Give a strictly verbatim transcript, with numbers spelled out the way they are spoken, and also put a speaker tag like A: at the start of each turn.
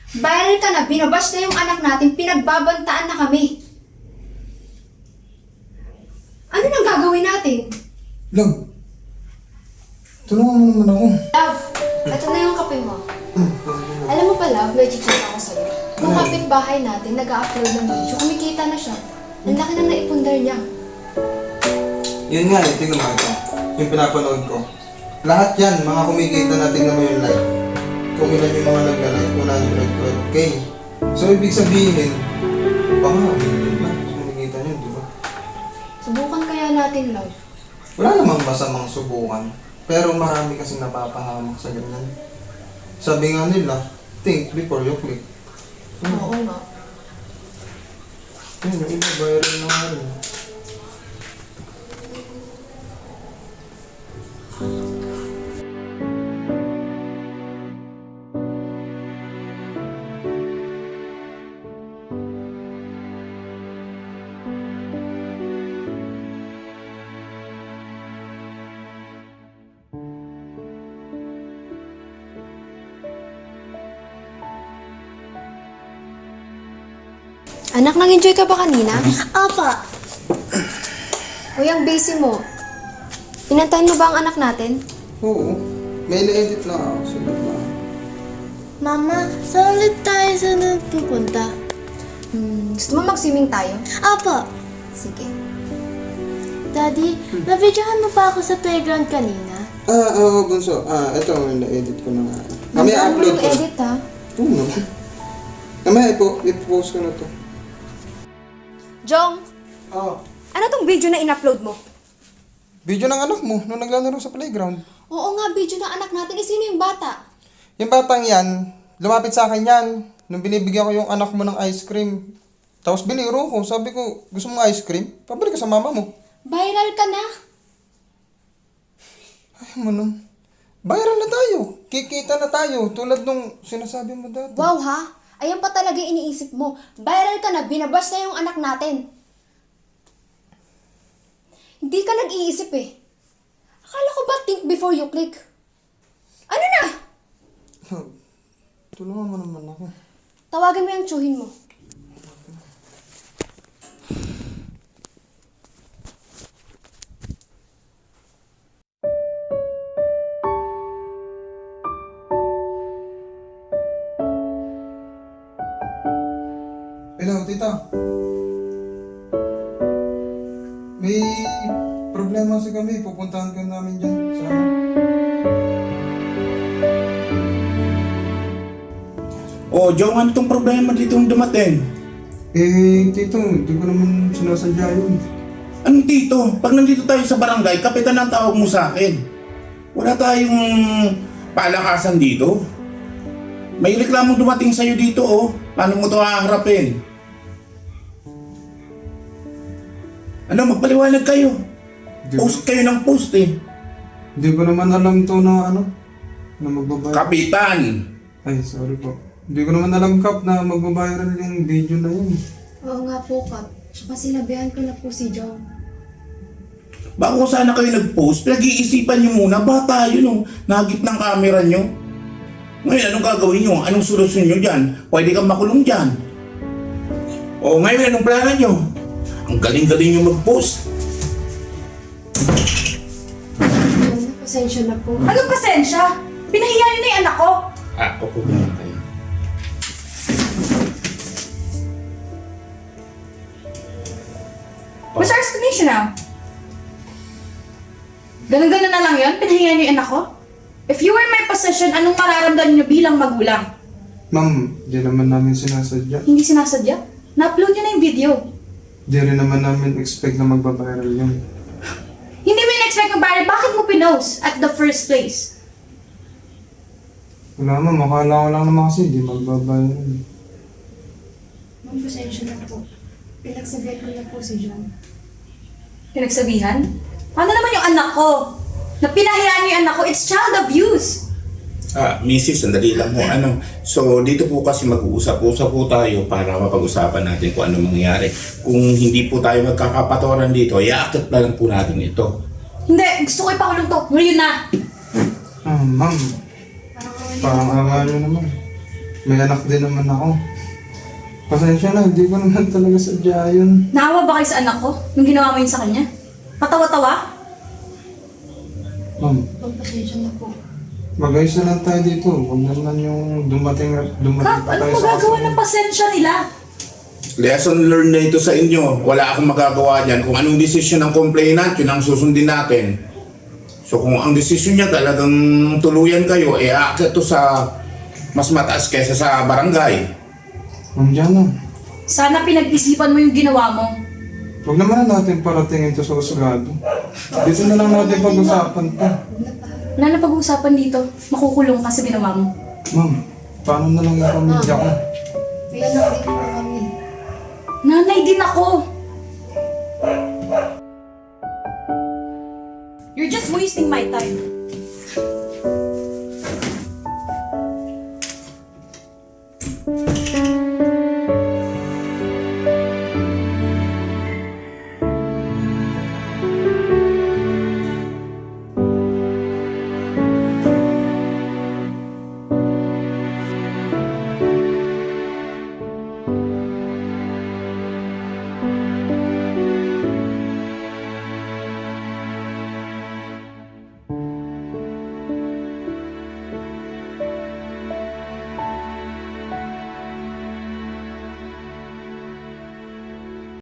A: Viral ka na, binabash na yung anak natin, pinagbabantaan na kami. Ano nang gagawin natin?
B: Love, tulungan mo naman ako.
A: Love, ito na yung kape mo. Alam mo pa, Love, may chichika ako sa'yo. Yung kapitbahay natin, nag-upload ng video, kumikita na siya. Ang laki na naipundar niya.
B: Yun nga eh, tingnan mo ito. Yung pinapanood ko. Lahat yan, mga kumikita na tingnan mo yung like. Kung ilan yung mga nagla-like, one hundred twelve K. So, ibig sabihin, baka million na kumikita nyo, di ba?
A: Subukan kaya natin, Love.
B: Wala namang masamang subukan. Pero marami kasi napapahamak sa ganyan. Sabi nga nila, think before you click. Hmm.
A: Oo nga.
B: Yun, yung iba, viral na nga rin.
A: Anak, nang-enjoy ka ba kanina?
C: Apa,
A: Uy, ang busy mo. Inantayin mo ba ang anak natin?
B: Oo. May na-edit lang ako. Sunod na.
C: Mama, saan ulit tayo sa nagpupunta?
A: Hmm, gusto mo mag-swimming tayo?
C: Apa,
A: Sige.
C: Daddy, na-videohan mo pa ako sa playground kanina?
B: Ah, oo, Bunso. Ah, ito, na-edit ko na nga. Mamaya
A: Nandaan mo
B: upload
A: yung
B: ko.
A: edit, ha?
B: Oo naman. Mamaya ipo, ipopost ko na to.
A: Jong,
B: Ah,
A: ano tong video na in-upload mo?
B: video ng anak mo nung naglalaro sa playground.
A: Oo nga, video ng anak natin. Eh, sino yung bata?
B: Yung batang yan, lumapit sa akin yan. Nung binibigyan ko yung anak mo ng ice cream. Tapos biniro ko. Sabi ko, gusto mo ice cream? Pabalik ka sa mama mo.
A: Viral ka na.
B: Ay, manong. Viral na tayo. Kikita na tayo. Tulad nung sinasabi mo dati.
A: Wow, ha? Ayan pa talaga yung iniisip mo. Viral ka na, binabash na yung anak natin. Hindi ka nag-iisip eh. Akala ko ba think before you click? Ano na?
B: Tulungan mo naman ako.
A: Tawagin mo yung tsuhin mo.
B: Hello, tita. May problema kasi kami. Pupuntahan ka namin dyan. Sama.
D: Oh, Jong, ano itong problema dito yung dumating?
B: Eh, tito, hindi ko naman sinasadya yun.
D: Anong dito? Pag nandito tayo sa barangay, kapitan ang tawag mo sa akin. Wala tayong palakasan dito. May reklamo dumating sa'yo dito, oh. Paano mo ito haharapin? Ano, magpaliwanag kayo.
B: Di ko,
D: Post kayo ng post, eh.
B: di ko naman alam to na ano, na magbabayad.
D: Kapitan!
B: Ay, sorry po. Hindi ko naman alam, Kap, na magbabayaran yung video na yun.
A: Oo nga po, Kat. Tsaka sinabihan ko na po si Jong.
D: Bago sana kayo nag-post, pinag-iisipan nyo muna, bata yun, oh. Nagip ng camera nyo. Ngayon, anong gagawin nyo? Anong solusyon nyo dyan? Pwede kang makulong dyan. O ngayon, anong plano nyo? Ang galing-galing nyo mag-post.
A: Jong, pasensya na po.
E: Anong pasensya? Pinahiya niyo na yung anak ko.
D: Ah, opo muna kayo.
E: What's our explanation now? Ganun-ganun na lang yun? Pinahiya niyo yung anak ko? If you were in my position, anong mararamdaman niyo bilang magulang?
B: Ma'am, di naman namin sinasadya.
E: Hindi sinasadya? Na-upload niyo na yung video.
B: Di rin naman namin expect na magbabayaran yun.
E: Hindi mo in-expect ng viral, bakit mo pinost at the first place?
B: Wala ma'am, akala ko lang naman kasi di magbabayaran.
A: Ma'am, pasensya na po. Pinagsabihan ko na po si Jong.
E: Pinagsabihan? Paano naman yung anak ko? Na pinahiya niyo yung anak ko, it's child abuse!
D: Ah, Missus, sandali lang po. Ano? So, dito po kasi mag-uusap-usap po tayo para mapag-usapan natin kung ano mangyayari. Kung hindi po tayo magkakapatoran dito, iaakit na lang po natin ito.
E: Hindi, gusto ko ipakulong to. Ngayon na!
B: Ah, ma'am, parang awa nyo naman. May anak din naman ako. Pasensya na, hindi ko naman talaga sadya yun.
E: Naawa ba kayo sa anak ko nung ginawa mo yun sa kanya? Patawa-tawa?
B: Ma'am,
A: Magpasensya na po.
B: mag-ayos na lang tayo dito. Huwag naman yung dumating, dumating
E: Kap,
B: pa
E: ano
B: tayo sa
E: magagawa
B: kasunod.
E: ng pasensya nila?
D: Lesson learned na ito sa inyo. Wala akong magagawa dyan. Kung anong desisyon ng complainant, yun ang susundin natin. So kung ang desisyon niya talagang tuluyan kayo, eh aakyat to sa mas mataas kaysa sa barangay.
B: Ma'am Jana,
E: Sana pinag-isipan mo yung ginawa mo.
B: huwag naman natin paratingin to sa usgado. Dito na lang natin pag-usapan to.
E: Wala na pag-uusapan dito. Makukulong ka sa ginawa mo.
B: Ma'am, paano na lang yung pamilya ko?
A: May anak din po kami.
E: Nanay din ako. You're just wasting my time.